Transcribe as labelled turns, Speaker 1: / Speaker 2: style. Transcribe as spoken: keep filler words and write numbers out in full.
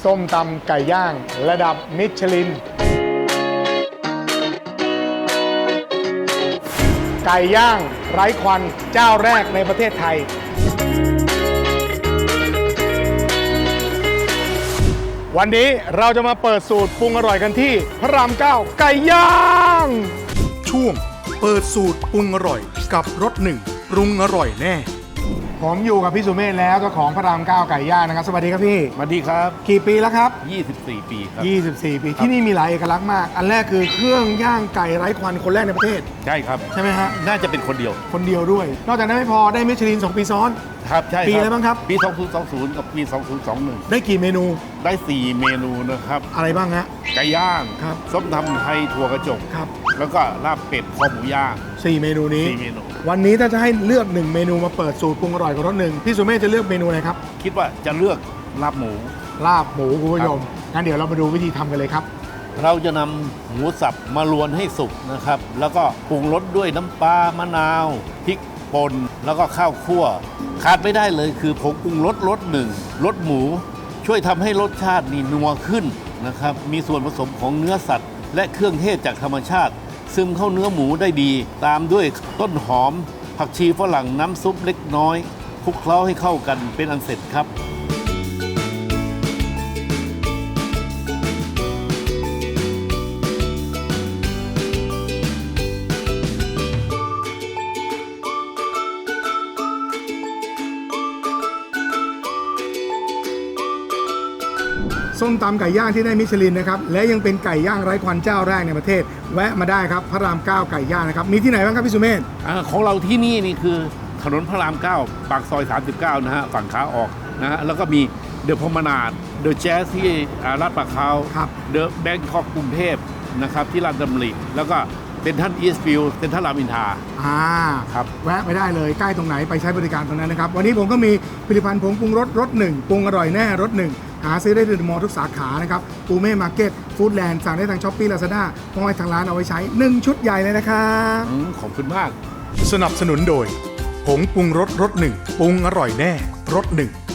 Speaker 1: ส้มตำไก่ย่างระดับมิชลินไก่ย่างไร้ควันเจ้าแรกในประเทศไทยวันนี้เราจะมาเปิดสูตรปรุงอร่อยกันที่พระรามเก้าไก่ย่างช่วงเปิดสูตรปรุงอร่อยกับรสหนึ่งปรุงอร่อยแน่ผมอยู่กับพี่สุเมธแล้วเจ้าของพระรามเก้าไก่ย่างนะครับสวัสดีครับพี่
Speaker 2: สวัสดีครับ
Speaker 1: กี่ปีแล้วครับ
Speaker 2: ยี่สิบสี่ปีครับ
Speaker 1: ยี่สิบสี่ปีที่นี่มีหลายเอกลักษณ์มากอันแรกคือเครื่องย่างไก่ไร้ควันคนแรกในประเทศ
Speaker 2: ใช่ครับ
Speaker 1: ใช่ไหมฮะ
Speaker 2: น่าจะเป็นคนเดียว
Speaker 1: คนเดียวด้วยนอกจากนั้นไม่พอได้มิชลินสองปีซ้อน
Speaker 2: ครับใช่
Speaker 1: ปีอะไรบ้างครับ
Speaker 2: ปีสองพันยี่สิบกับปีสองพันยี่สิบเอ็ด
Speaker 1: ได้กี่เมนู
Speaker 2: ได้สี่เมนูนะครับ
Speaker 1: อะไรบ้างฮะ
Speaker 2: ไก่ย่าง
Speaker 1: ครับ
Speaker 2: ส้มตำไทยถั่วกระจก
Speaker 1: ครับ
Speaker 2: แล้วก็ลาบเป็ดคอหมูย่าง
Speaker 1: สี่เมนูนี้
Speaker 2: สี่เมนู
Speaker 1: วันนี้ถ้าจะให้เลือกหนึ่งเมนูมาเปิดสูตรปรุงอร่อยกับรสหนึ่งพี่สุเมธจะเลือกเมนูอะไรครับ
Speaker 2: คิดว่าจะเลือกลาบหมู
Speaker 1: ลาบหมูคุณผู้ชมงั้นเดี๋ยวเรามาดูวิธีทำกันเลยครับ
Speaker 2: เราจะนำหมูสับมาลวนให้สุกนะครับแล้วก็ปรุงรสด้วยน้ำปลามะนาวพริกป่นแล้วก็ข้าวคั่วขาดไม่ได้เลยคือผงปรุงรสรสหนึ่งรสหมูช่วยทำให้รสชาตินี่นัวขึ้นนะครับมีส่วนผสมของเนื้อสัตว์และเครื่องเทศจากธรรมชาติซึมเข้าเนื้อหมูได้ดีตามด้วยต้นหอมผักชีฝรั่งน้ำซุปเล็กน้อยคลุกเคล้าให้เข้ากันเป็นอันเสร็จครับ
Speaker 1: ส้มตำไก่ย่างที่ได้มิชลินนะครับและยังเป็นไก่ย่างไร้ควันเจ้าแรกในประเทศแวะมาได้ครับพระรามเก้าไก่ย่างนะครับมีที่ไหนบ้างครับพี่สุเมธ
Speaker 2: ของเราที่นี่นี่คือถนนพระรามเก้าปากซอยสามสิบเก้านะฮะฝั่งขาออกนะฮะแล้วก็มีเดอะพมนาดเดอะแจ๊สที่ลาดปะเขาเดอะแบงคอกกรุงเทพนะครับที่ลาดดำริแล้วก็เป็นท่านอีสต์ฟิลด์เป็นท่านรามอินทรา
Speaker 1: อ่า
Speaker 2: ครับ
Speaker 1: แวะไปได้เลยใกล้ตรงไหนไปใช้บริการตรงนั้นนะครับวันนี้ผมก็มีผลิตภัณฑ์ผงปรุงรสรสหนึ่งปรุงอร่อยแน่รสหนึ่งหาซื้อได้ที่มอทุกสาขานะครับปูเม่มาร์เก็ตฟู้ดแลนด์สั่งได้ทางช้อปปี้ลาซาด้ามอยทางร้านเอาไว้ใช้หนึ่งชุดใหญ่เลยนะครับ
Speaker 2: ขอบคุณมาก
Speaker 1: สนับสนุนโดยผงปรุงรสรสหนึ่งปรุงอร่อยแน่รสหนึ่ง